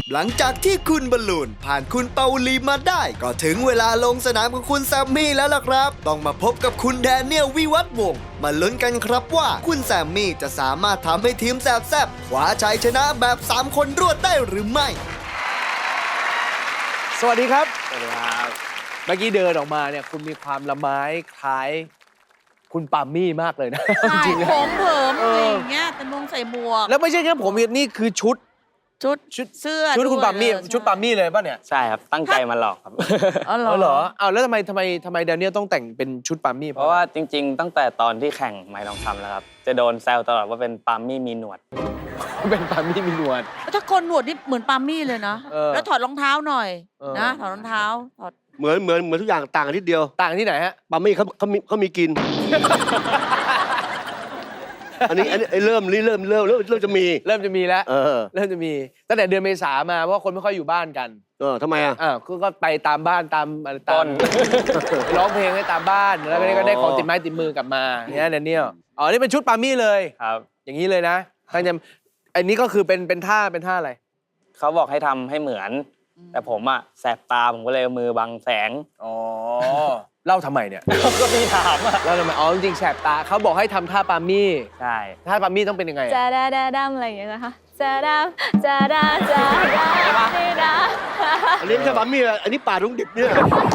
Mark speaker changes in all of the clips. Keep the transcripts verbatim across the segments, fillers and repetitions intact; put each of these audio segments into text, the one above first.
Speaker 1: หลังจากที่คุณบอลลูนผ่านคุณเปาลีมาได้ก็ถึงเวลาลงสนามของคุณแซมมี่แล้วล่ะครับต้องมาพบกับคุณแดเนียลวิวัฒน์วงศ์มาลุ้นกันครับว่าคุณแซมมี่จะสามารถทำให้ทีมแซบแซบคว้าชัยชนะแบบสามคนรวดได้หรือไม่
Speaker 2: สวัสดีครับ
Speaker 3: สวัสดีครับ
Speaker 2: เมื่อกี้เดินออกมาเนี่ยคุณมีความละไม้คล้ายคุณปามี่มากเลยนะ
Speaker 4: จริงๆผมเผิมอะไรอย่างเงี้ยแต่มงใส่หมวก
Speaker 2: แล้วไม่ใช่แค่ผมนี่คือชุด
Speaker 4: ชุดชุดเสื้อ
Speaker 2: ชุดคุณปามี่ชุดปามี่เลยป่ะเนี่ย
Speaker 3: ใช่ครับตั้งใจมาหลอกครับ
Speaker 4: อ๋อ
Speaker 2: เหรออ้าวแล้วทำไมทำไมทำไมแดเนียลต้องแต่งเป็นชุดปามี่
Speaker 3: เพราะว่าจริงๆตั้งแต่ตอนที่แข่งไม้ทองคำแล้วครับจะโดนแซวตลอดว่าเป็นปามี่มีหนวด
Speaker 2: เป็นปามี่มีหนวด
Speaker 4: ถ้าคนหนวดนี่เหมือนปามี่เลยนะแล้วถอดรองเท้าหน่อยนะถอดรองเท้าถอด
Speaker 5: เหมือนเหมือนเหมือนทุกอย่างต่างกันนิดเดียว
Speaker 2: ต่างที่ไหนฮะ
Speaker 5: ปามี่เขาเขามีเขามีกินอันนี้อันนี้เริ่มเริ่มเริ่มเริ่มเริ่มจะมี
Speaker 2: เริ่มจะมีแล้ว
Speaker 5: เออ
Speaker 2: เริ่มจะมีตั้งแต่เดือนเมษามาเพราะคนไม่ค่อยอยู่บ้านกัน
Speaker 5: เออทำไมอ่ะ
Speaker 2: อ่าก็ไปตามบ้านตามตามร้องเพลงให้ตามบ้านแล้วก็ได้ของติดไม้ติดมือกลับมาเนี่ยแดเนียลอ๋อนี่เป็นชุดปามี่เลย
Speaker 3: ครับ
Speaker 2: อย่างนี้เลยนะตั้งใจอันนี้ก็คือเป็นเป็นท่าเป็นท่าอะไร
Speaker 3: เขาบอกให้ทำให้เหมือนแต่ผมอ่ะแสบตาผมก็เลยมือบังแสง
Speaker 2: อ๋อเล่าทำไมเนี่ย
Speaker 3: ก็มีถามอ่ะ
Speaker 2: เล่าทำไมอ๋อจริงๆแสบตาเขาบอกให้ทำท่าปามี่
Speaker 3: ใช่
Speaker 2: ท่าปามี่ต้องเป็นยังไง
Speaker 6: จะดาดาดำอะไรอย่างเงี้ยนะคะจะดาจะดาจะดาจะดา
Speaker 5: อันนี้ไม่ใช่ปามี่อันนี้ป่าลุงดิบเนี่ย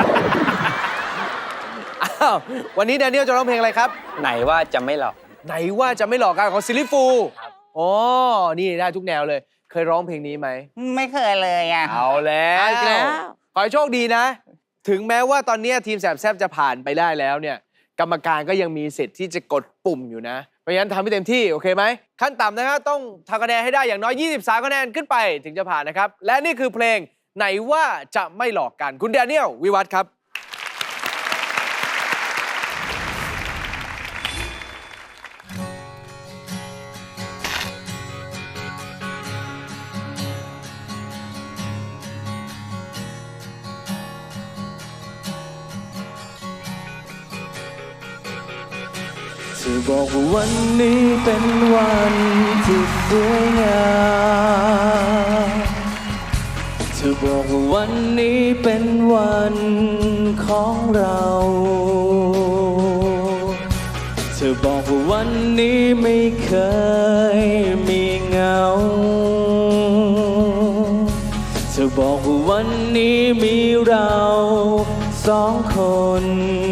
Speaker 2: อ้าววันนี้แดเนียลจะร้องเพลงอะไรครับ
Speaker 3: ไหนว่าจะไม่หลอก
Speaker 2: ไหนว่าจะไม่หลอกกันของซิลลี่ฟูลอ๋อนี่ได้ทุกแนวเลยเคยร้องเพลงนี้ไหม
Speaker 3: ไม่เคยเลยอ่ะ
Speaker 2: เอาแล้วขอให้โชคดีนะถึงแม้ว่าตอนนี้ทีมแสบแซบจะผ่านไปได้แล้วเนี่ยกรรมการก็ยังมีสิทธิ์ที่จะกดปุ่มอยู่นะเพราะฉะนั้นทำให้เต็มที่โอเคไหมขั้นต่ำนะครับต้องทำคะแนนให้ได้อย่างน้อยยี่สิบสามคะแนนขึ้นไปถึงจะผ่านนะครับและนี่คือเพลงไหนว่าจะไม่หลอกกันคุณแดเนียลวิวัฒน์ครับ
Speaker 7: เธอบอกว่าวันนี้เป็นวันที่สวยงามเธอบอกว่าวันนี้เป็นวันของเราเธอบอกว่าวันนี้ไม่เคยมีเหงาเธอบอกว่าวันนี้มีเราสองคน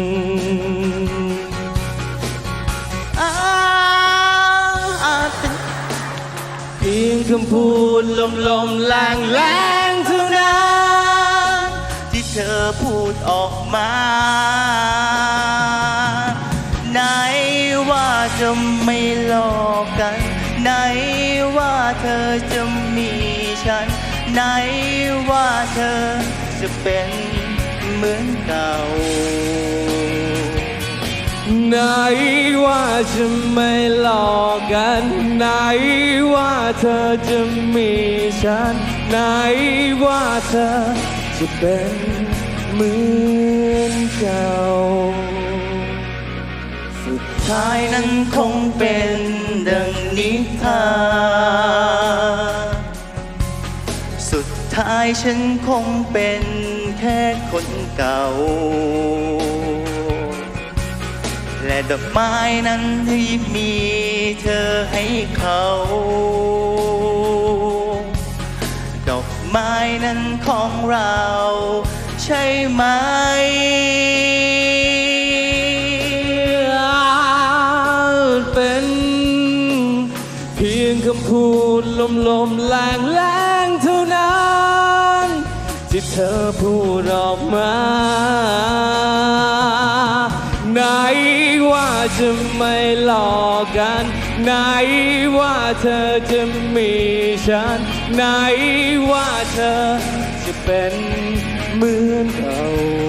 Speaker 7: เพียงคำพูดลมลมแรงแรงเท่านั้นที่เธอพูดออกมาไหนว่าจะไม่หลอกกันไหนว่าเธอจะมีฉันไหนว่าเธอจะเป็นเหมือนเก่าไหนว่าจะไม่หลอกกันไหนว่าเธอจะมีฉันไหนว่าเธอจะเป็นเหมือนเก่าสุดท้ายนั้นคงเป็นดังนิทานสุดท้ายฉันคงเป็นแค่คนเก่าและดอกไม้นั้นที่มีเธอให้เขาดอกไม้นั้นของเราใช่ไหมเป็นเพียงคำพูดลมลมแรงแรงเท่านั้นที่เธอพูดออกมาไหนว่าจะไม่หลอกกันไหนว่าเธอจะมีฉันไหนว่าเธอจะเป็นเหมือนเก่า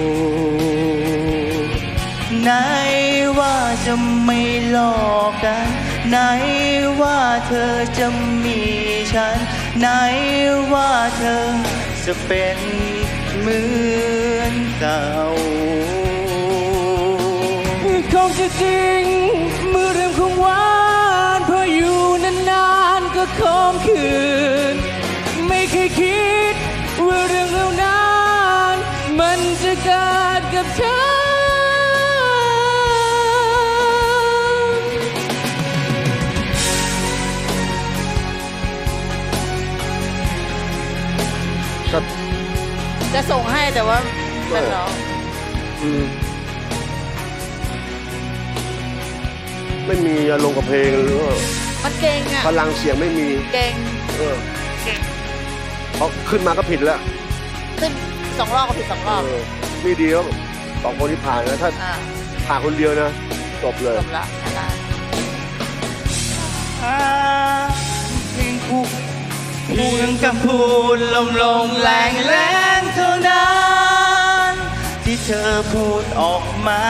Speaker 7: ไหนว่าจะไม่หลอกกันไหนว่าเธอจะมีฉันไหนว่าเธอจะเป็นเหมือนเก่าคงจะจริงเมื่อเรื่องของหวานเพราะอยู่นานๆก็คมคืนไม่เคยคิดว่าเรื่องเหล่านั้นมันจะเกิดกับฉัน
Speaker 4: จะส่งให้แต่ว่าเป็นร้อง
Speaker 5: อืมไม่มีอารมณ์กับเพลงหรือว่า
Speaker 4: มันเก่งอ่ะ
Speaker 5: พลังเสียงไม่มี
Speaker 4: เก่ง
Speaker 5: เออพอขึ้นมาก็ผิดแล้ว
Speaker 4: ขึ้นสองรอบก็ผิดสองรอบ
Speaker 5: เออนี่ดีแล้วสองคนที่ผ่านนะถ้า
Speaker 4: อ่า
Speaker 5: ผ่านคนเดียวนะจบเลย
Speaker 4: จบละได้
Speaker 7: เพียงคุกเพียงคำพูดลมลงแรงแรงเท่านั้นที่เธอพูดออกมา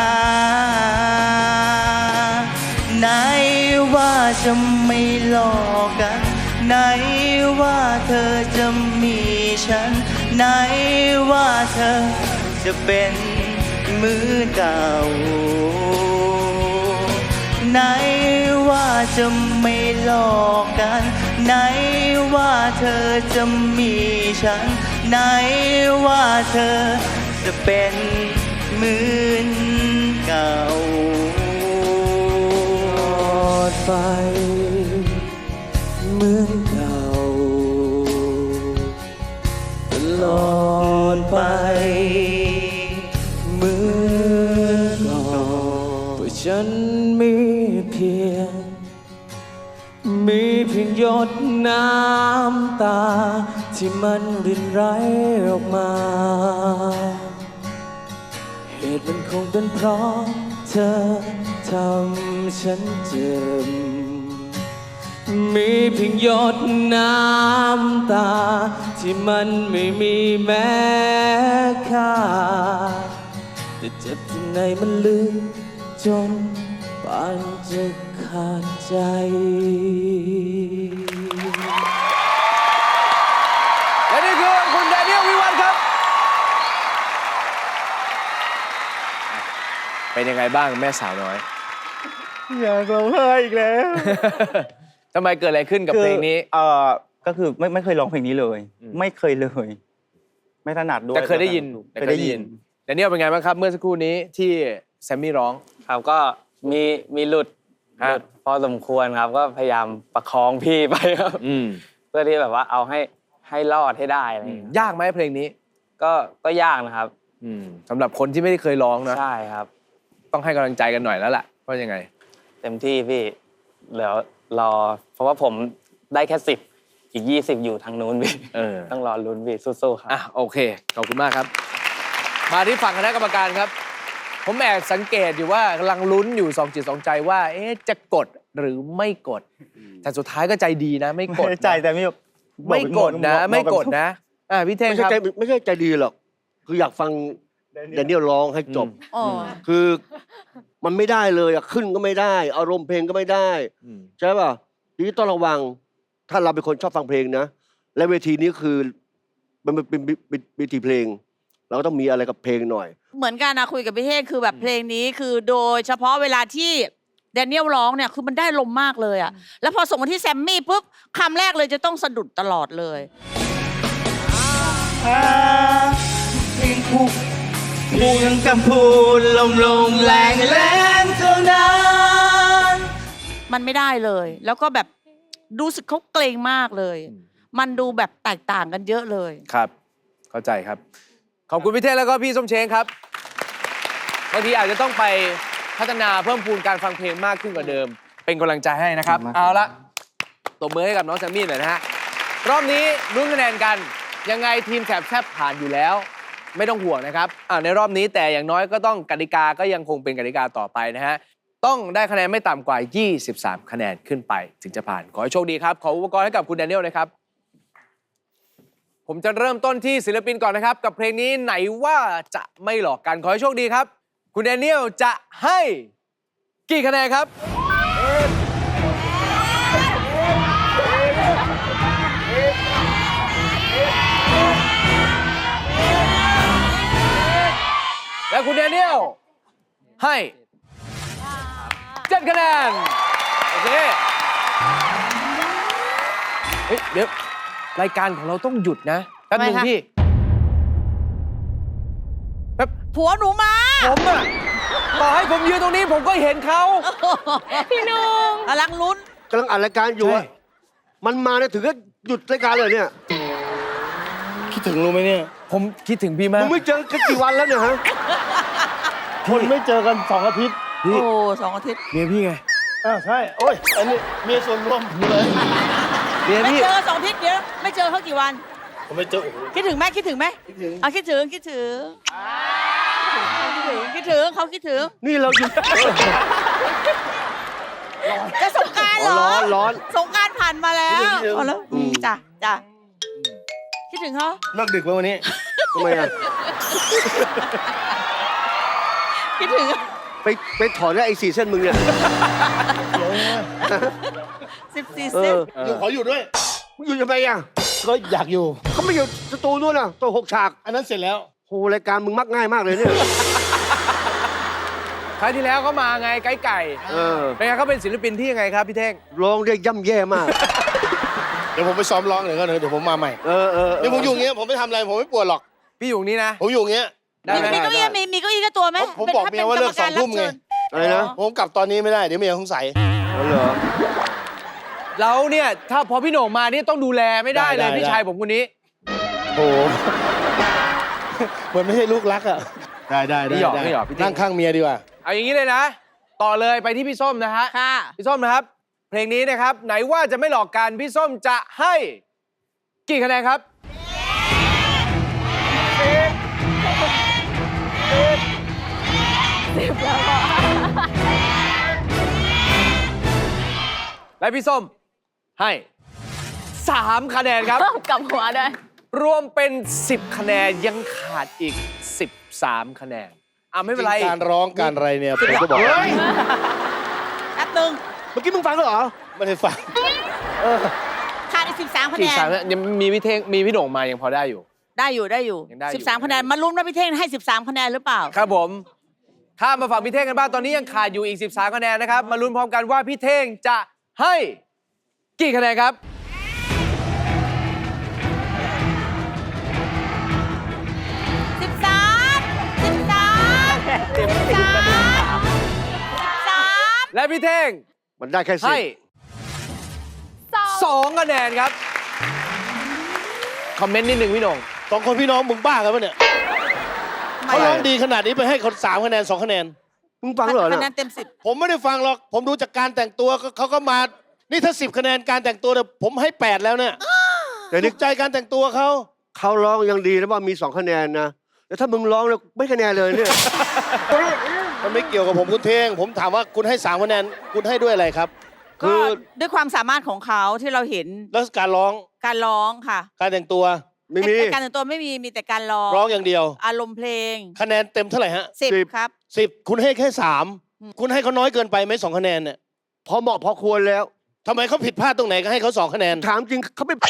Speaker 7: ไหนว่าจะไม่หลอกกันไหนว่าเธอจะมีฉันไหนว่าเธอจะเป็นมือเก่าไหนว่าจะไม่หลอกกันไหนว่าเธอจะมีฉันไหนว่าเธอจะเป็นเหมือนเก่าไปเหมือนเก่าตลอดไปเหมือนก่อนเพราะฉันมีเพียงมีเพียงหยดน้ำตาที่มันรินไหลออกมาเหตุมันคงเป็นเพราะเธอทำฉันเจ็บมีเพียงหยดน้ำตาที่มันไม่มีแม้ค่าแต่เจ็บที่ไหนมันลึกจนปานจะขาดใจ
Speaker 2: และนี่คือคุณแดเนียลวิวัฒน์ครับ เป็นยังไงบ้างแม่สาวน้อย
Speaker 3: อยากร้องไห้อีกแล้ว
Speaker 2: ทำไมเกิดอะไรขึ้นกับเพลงนี้
Speaker 8: เออก็คือไม่ไม่เคยร้องเพลงนี้เลย
Speaker 2: อืม
Speaker 8: ไม่เคยเลย ไม่ถนัดด้วย
Speaker 2: แต่เคยได้ยิน
Speaker 8: เคยได้ยิน
Speaker 2: แดเนียลเป็นไงบ้างครับเมื่อสักครู่นี้ที่แซมมี่ร้อง
Speaker 3: ครับก็มีมีหลุด
Speaker 2: ฮะ
Speaker 3: หลุดพอสมควรครับ ก็พยายามประคองพี่ไปครับ
Speaker 2: อืม
Speaker 3: เพื่อที่แบบว่าเอาให้ให้รอดให้ได้อะไรอย่างเงี้ย
Speaker 2: ยากไหมเพลงนี้
Speaker 3: ก็ก็ยากนะครับ
Speaker 2: อืมสำหรับคนที่ไม่ได้เคยร้องนะ
Speaker 3: ใช่ครับ
Speaker 2: ต้องให้กำลังใจกันหน่อยแล้วล่ะว่ายังไง
Speaker 3: เต็มที่พี่เดี๋ยวรอ เพราะว่าผมได้แค่สิบอีกยี่สิบอยู่ทางนู้นพี่
Speaker 2: เออ
Speaker 3: ต้องรอลุ้นพี่สู้ๆครับ
Speaker 2: อ่ะโอเค ขอบคุณมากครับ มาที่ฝั่งคณะกรรมการครับ ผมแอบสังเกตอยู่ว่ากำลังลุ้นอยู่สองจิตสองใจว่า เอ๊ะจะกดหรือไม่กด แต่สุดท้ายก็ใจดีนะ ไม่กดนะ
Speaker 8: ใจแต่ไม่
Speaker 2: ไม่กดนะ ไม่กดนะอ่ะพี่เท่ง
Speaker 5: ไม่
Speaker 2: ค
Speaker 5: ใช่
Speaker 2: รับ
Speaker 5: ใจไม่ใช่ใจดีหรอก คืออยากฟังแดเนียลร้องให้จบ
Speaker 4: อ๋อ
Speaker 5: คือมันไม่ได้เลยอะขึ้นก็ไม่ได้ อารมณ์เพลงก็ไม่ได้
Speaker 2: อืม
Speaker 5: ใช่ป่ะทีนี้ต้องระวัง ถ้าเราเป็นคนชอบฟังเพลงนะ และเวทีนี้คือมันเป็นเป็นเวทีเพลง เราก็ต้องมีอะไรกับเพลงหน่อย
Speaker 4: เหมือนกันนะคุยกับพี่เท่งคือแบบเพลงนี้คือโดยเฉพาะเวลาที่แดเนียลร้องเนี่ยคือมันได้ลมมากเลยอ่ะแล้วพอส่งมาที่แซมมี่ปุ๊บคำแรกเลยจะต้องสะดุดตลอดเลย
Speaker 7: เพียงคุกเพียงคำพูดลมลงแรงแรงเท่านั้น
Speaker 4: มันไม่ได้เลย แล้วก็แบบรู้สึกเขาเกรงมากเลย มันดูแบบแตกต่างกันเยอะเลย
Speaker 2: ครับ เข้าใจครับ ขอบคุณพี่เท่งแล้วก็พี่ส้มเช้งครับบางทีอาจจะต้องไปพัฒนาเพิ่มพูนการฟังเพลงมากขึ้นกว่าเดิม เป็นกำลังใจให้นะครับ เอาละตบมือให้กับน้องแซมมี่หน่อยนะฮะ รอบนี้ลุ้นคะแนนกัน ยังไงทีมแสบแซบผ่านอยู่แล้ว ไม่ต้องห่วงนะครับอ่าในรอบนี้แต่อย่างน้อยก็ต้องกติกาก็ยังคงเป็นกติกาต่อไปนะฮะ ต้องได้คะแนนไม่ต่ำกว่า ยี่สิบสาม คะแนนขึ้นไปถึงจะผ่าน ขอให้โชคดีครับ ขออุปกรณ์ให้กับคุณแดเนียลนะครับ ผมจะเริ่มต้นที่ศิลปินก่อนนะครับ กับเพลงนี้ไหนว่าจะไม่หลอกกัน ขอให้โชคดีครับ คุณแดเนียลจะให้กี่คะแนนครับ และคุณแดเนียลให้เจ็ดคะแนน โอเคเฮ้ยเดี๋ยวรายการของเราต้องหยุดนะแป๊บนึง
Speaker 4: ทำไมคะ
Speaker 2: พี่แป๊บ
Speaker 4: ผัวหนูมา
Speaker 2: ผมอะต่อให้ผมยืนตรงนี้ผมก็เห็นเขา
Speaker 6: พี่นุ่ง
Speaker 4: กำลังลุ้น
Speaker 5: กำลังอัดรายการอยู่อะ
Speaker 2: ใช่
Speaker 5: มันมาเนี่ยถึงก็หยุดรายการเลยเนี่ย
Speaker 9: คิดถึงรู้ไหมเนี่ย
Speaker 2: ผมคิดถึงพี่มา
Speaker 5: มึ
Speaker 2: ก
Speaker 5: งไม่เจอกันกี่วันแล้วเนี่ยฮะ
Speaker 9: คนไม่เจอกันสองอาทิตย์
Speaker 2: พี่
Speaker 4: โอ้สองอาทิตย์
Speaker 2: เมียพี่ไง
Speaker 9: อ้าวใช่ โอ้ย อันนี้เมียส่วนรวมอยู่เลย
Speaker 2: เมีย
Speaker 4: ไม่
Speaker 2: พี่
Speaker 4: เจอสองอาทิตย์เดี๋ยวไม่เจอเขากี่วัน
Speaker 9: ผมไม่เจอโอ้โห
Speaker 4: คิดถึงไหมคิดถึงไหม
Speaker 9: คิดถึง
Speaker 4: เอาคิดถึงคิดถึงคิดถึงคิดถึงเขาคิดถึง
Speaker 5: นี่เราอยู่
Speaker 4: จะสงกรารเหรอ
Speaker 5: ร้อนร้อน
Speaker 4: สงกรารผ่านมาแล้ว
Speaker 9: คิดถึง
Speaker 4: เอาแล้ว
Speaker 5: อืม
Speaker 4: จ้ะจ้ะคิดถึงเขา
Speaker 9: เลิกดึกไหมวันนี้
Speaker 5: ทำไมอะ
Speaker 4: คิดถึง
Speaker 5: ไปไปถอนได้ไอ้สี่เส้นมึงเนี่ย
Speaker 9: เดี๋ยวนะ
Speaker 4: สิบสี่
Speaker 5: เอ
Speaker 4: เซน
Speaker 5: อ
Speaker 9: อยู่ขออยู่ด้วย
Speaker 5: มึงอยู่ทำไมอะ
Speaker 9: ก็อยากอยู่
Speaker 5: เขาไม่อยู่สตูนู่นน่ะตัวหกฉาก
Speaker 9: อันนั้นเสร็จแล้ว
Speaker 5: โหรายการมึงมักง่ายมากเลยเนี่ย
Speaker 2: ครั้งที่แล้วเขามาไงไก่ไก่
Speaker 5: เออ
Speaker 2: เป็นไงเขาเป็นศิลปินที่ยังไงครับพี่เท่ง
Speaker 5: ร้องได้ย่ำแย่มาก
Speaker 9: เดี๋ยวผมไปซ้อมร้องหน่อยก็เดี๋ยวผมมาใหม่
Speaker 5: เออเออเออ
Speaker 9: นี่ผมอยู่อย่างเงี้ยผมไม่ทำอะไรผมไม่ปวดหรอก
Speaker 2: พี่อยู่นี่นะ
Speaker 9: ผมอยู่อย่างเงี้ย
Speaker 2: ได้ไหม
Speaker 4: มีเก้าอี้มีมีเก้าอี้ก็ตัวไหม
Speaker 9: ผมบอกเมียว่าเลิกสองทุ่มไง
Speaker 5: อะไรนะ
Speaker 9: ผมกลับตอนนี้ไม่ได้ เดี๋ยวเมียสงสัย
Speaker 5: อ๋อเหรอ
Speaker 2: เราเนี่ยถ้าพอพี่โหน่งมานี่ต้องดูแลไม่ได้เลย
Speaker 9: ได้ได้
Speaker 2: พี่ชายผมคนนี้
Speaker 9: โอ้โหเหมือนไม่ใช่ลูกรักอ่ะ ได้ได้ได้
Speaker 2: ไม่หยอก
Speaker 9: ด้
Speaker 2: ไม่หยอกพี่เท่ง
Speaker 9: นั่งข้างเมียดีกว่า
Speaker 2: เอาอย่างนี้เลยนะ ต่อเลยไปที่พี่ส้มนะฮะ
Speaker 4: ค่ะ
Speaker 2: พี่ส้มนะครับ เพลงนี้นะครับ ไหนว่าจะไม่หลอกกันพี่ส้มจะให้กี่คะแนนครับ และพี่ส้มให้สามคะแนนครับ
Speaker 6: กลับหัวด้วย
Speaker 2: รวมเป็นสิบคะแนนยังขาดอีกสิบสามคะแนนอ่ะไม่เป็นไร
Speaker 9: การร้องการอะไรเนี่ยผมก็บอก
Speaker 5: เฮ้ย
Speaker 4: แป๊บนึง
Speaker 5: เมื่อกี้มึงฟังแล้วเหรอ
Speaker 9: ไม่ได้ฟัง
Speaker 4: ขาดอีกสิบสามคะ
Speaker 2: สี่
Speaker 4: แนน
Speaker 2: สามยังมีพี่เท่งมีพี่โหน่งมายังพอได้อยู่
Speaker 4: ได้อยู่ได้อยู่
Speaker 2: ยังได้อยู่
Speaker 4: สิบสามคะแนนมาลุ้นว่าพี่เท่งให้สิบสามคะแนนหรือเปล่า
Speaker 2: ครับผมข้ามมาฝั่งพี่เท่งกันบ้างตอนนี้ยังขาดอยู่อีกสิบสามคะแนนนะครับ มาลุ้นพร้อมกันว่าพี่เท่งจะให้กี่คะแนนครับ
Speaker 4: สิบสามสิบสามสิบสามสิบสาม
Speaker 2: และพี่เท่ง
Speaker 5: มันได้แค่สิ
Speaker 2: ให้
Speaker 6: สอง
Speaker 2: สองคะแนนครับ คอมเมนต์นิดหนึ่งพี่โหน่ง
Speaker 9: สองคนพี่น้องมึงบ้ากันปะเนี่ยเขาร้องดีขนาดนี้ไปให้คนสามคะแนนสองคะแนน
Speaker 5: มึงฟังแล้วเหรอ
Speaker 4: คะแน
Speaker 5: เนี่ย
Speaker 4: นเต็มสิบ
Speaker 9: ผมไม่ได้ฟังหรอก ผมดูจากการแต่งตัวก็เขาก็มา นี่ถ้าสิบคะแนนการแต่งตัวเนี่ยผมให้แปดแล้วเนี่ย
Speaker 5: แต่
Speaker 9: ถู
Speaker 5: นี่
Speaker 9: กใจการแต่งตัวเขา
Speaker 5: เขาร้องยังดีนะว่ามีสองคะแนนนะแต่ถ้ามึงร้องแล้วไม่คะแนนเลยเนี่ย
Speaker 9: มันไม่เกี่ยวกับผมคุณเทง ผมถามว่าคุณให้สามคะแนนคุณให้ด้วยอะไรครับ
Speaker 4: ก็ด้วยความสามารถของเขาที่เราเห็น
Speaker 9: แล้วการร้อง
Speaker 4: การร้องค่ะ
Speaker 9: การแต่งตัว
Speaker 5: ไม่มี
Speaker 4: ไอ้การแต่งตัวไม่มีมีแต่การร้อง
Speaker 9: ร้องอย่างเดียว
Speaker 4: อารมณ์เพลง
Speaker 9: คะแนนเต็มเท่าไหร่ฮะ
Speaker 4: สิบ
Speaker 5: สิบ
Speaker 4: ครับ
Speaker 9: สิบคุณให้แค่สาม
Speaker 4: อืม
Speaker 9: คุณให้เขาน้อยเกินไปไหมสองคะแนนเนี่ย
Speaker 5: พอเหมาะพอควรแล้ว
Speaker 9: ทำไมเขาผิดพลาดตรงไหนก็ให้เขาสองคะแนน
Speaker 5: ถามจริงเขาเป็น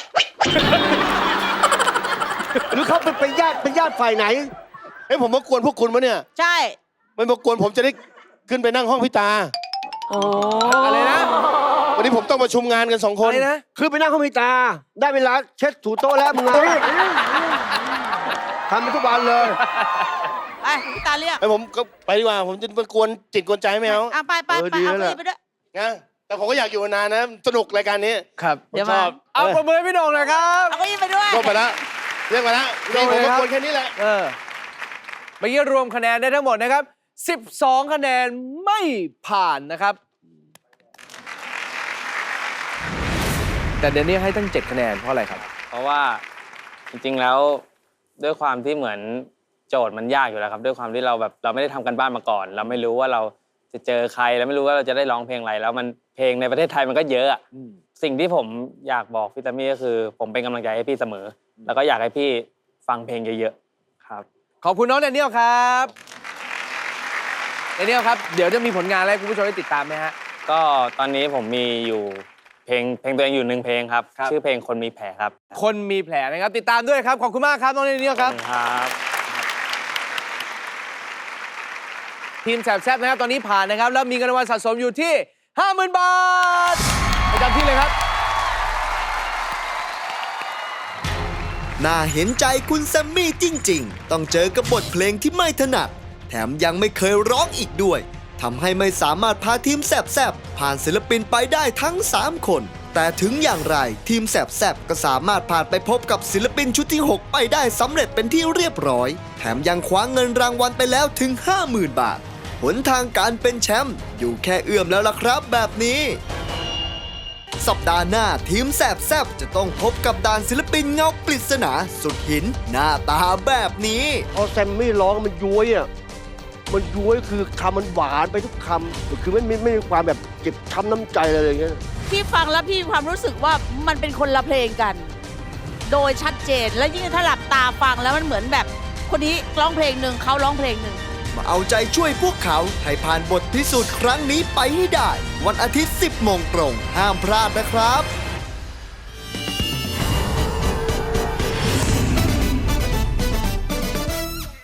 Speaker 5: หรือเขาเป็นเป็นญาติเป็นญาติฝ่ายไหน
Speaker 9: เฮ้ยผมมากวนพวกคุณมะเนี่ย
Speaker 4: ใช่
Speaker 9: ไม่มากวนผมจะได้ขึ้นไปนั่งห้องพี่ตา
Speaker 4: โอ้
Speaker 2: อะไรนะ
Speaker 9: วันนี้ผมต้องประชุมงานกันสองคน
Speaker 2: อะไรนะ
Speaker 5: คือไปนั่งห้องพิตา ได้เวลาเช็ดถูโต๊ะแล้วมึงอะทำไปทุกวันเลย
Speaker 4: ไปพี่ตาเรียก
Speaker 9: ไอ้ผมก็ไปดีกว่า ผมจะมากวนจิตกวนใจไม่เอา
Speaker 4: อ่ะไปไป
Speaker 5: เออ
Speaker 4: ไป
Speaker 5: ดี
Speaker 4: เอา
Speaker 5: แล้ว
Speaker 4: เก้าอี้ไปด้วย
Speaker 9: นะแต่ผมก็อยากอยู่นานนะ สนุกรายการนี้
Speaker 2: ครับ
Speaker 9: ผม
Speaker 4: เดี๋ยว
Speaker 9: ช
Speaker 4: มา
Speaker 9: อบ
Speaker 2: เอาประเมินพี่โหน่งหน่อยครับ
Speaker 4: เอาเก้าอี้ไปด้วย
Speaker 9: ก็ไปแล้วเรียกมาแล้วนี่ผมมากวนแค่นี้แหละ
Speaker 2: เออเมื่อกี้รวมคะแนนได้ทั้งหมดนะครับสิบสองคะแนนไม่ผ่านนะครับ แต่เดนนี่ให้ตั้งเจ็ดคะแนนเพราะอะไรครับ
Speaker 3: เพราะว่าจริงๆแล้วด้วยความที่เหมือนโจทย์มันยากอยู่แล้วครับ ด้วยความที่เราแบบเราไม่ได้ทำกันบ้านมาก่อน เราไม่รู้ว่าเราจะเจอใครแล้วไม่รู้ว่าเราจะได้ร้องเพลงอะไรแล้วมันเพลงในประเทศไทยมันก็เยอะอะ
Speaker 2: อืม
Speaker 3: สิ่งที่ผมอยากบอกพี่ตามี่ก็คือ ผมเป็นกำลังใจให้พี่เสมอ แล้วก็อยากให้พี่ฟังเพลงเยอะๆครับ
Speaker 2: ขอบคุณน้องแดเนียลครับแดเนียลครับ เดี๋ยวจะมีผลงานอะไรให้คุณผู้ชมได้ติดตามไหมฮะ
Speaker 3: ก็ตอนนี้ผมมีอยู่เพลงเพลงตัวเองอยู่หนึ่งเพลงครับ
Speaker 2: ครับ
Speaker 3: ชื่อเพลงคนมีแผลครับ
Speaker 2: คนมีแผลนะครับ ติดตามด้วยครับ ขอบคุณมากครับน้องแดเนียลครับ
Speaker 3: ครับ
Speaker 2: ทีมแสบแซบนะครับ ตอนนี้ผ่านนะครับ แล้วมีเงินรางวัลสะสมอยู่ที่ ห้าหมื่น บาทประจำที่เลยครับ
Speaker 1: น่าเห็นใจคุณแซมมี่จริงๆ ต้องเจอกับบทเพลงที่ไม่ถนัด แถมยังไม่เคยร้องอีกด้วย ทำให้ไม่สามารถพาทีมแซบๆ ผ่านศิลปินไปได้ทั้ง สาม คน แต่ถึงอย่างไรทีมแซบๆ ก็สามารถผ่านไปพบกับศิลปินชุดที่ หก ไปได้สำเร็จเป็นที่เรียบร้อย แถมยังคว้าเงินรางวัลไปแล้วถึง ห้าหมื่น บาท หนทางการเป็นแชมป์อยู่แค่เอื้อมแล้วล่ะครับแบบนี้ สัปดาห์หน้าทีมแสบแซบจะต้องพบกับด่านศิลปินเงาปริศนาสุดหินหน้าตาแบบนี้
Speaker 5: พอแซมมี่ร้องมันย้วยอ่ะ มันย้วยคือคำมันหวานไปทุกคำคือไม่ไม่ไม่มีความแบบเจ็บช้ำน้ำใจอะไรอย่างเงี้ย
Speaker 4: พี่ฟังแล้วพี่มีความรู้สึกว่ามันเป็นคนละเพลงกัน โดยชัดเจนและยิ่งถ้าหลับตาฟังแล้วมันเหมือนแบบคนนี้ร้องเพลงหนึ่งเขาร้องเพลงหนึ่ง
Speaker 1: มาเอาใจช่วยพวกเขาให้ผ่านบทพิสูจน์ครั้งนี้ไปให้ได้ วันอาทิตย์ สิบโมงตรง ห้ามพลาดนะครับ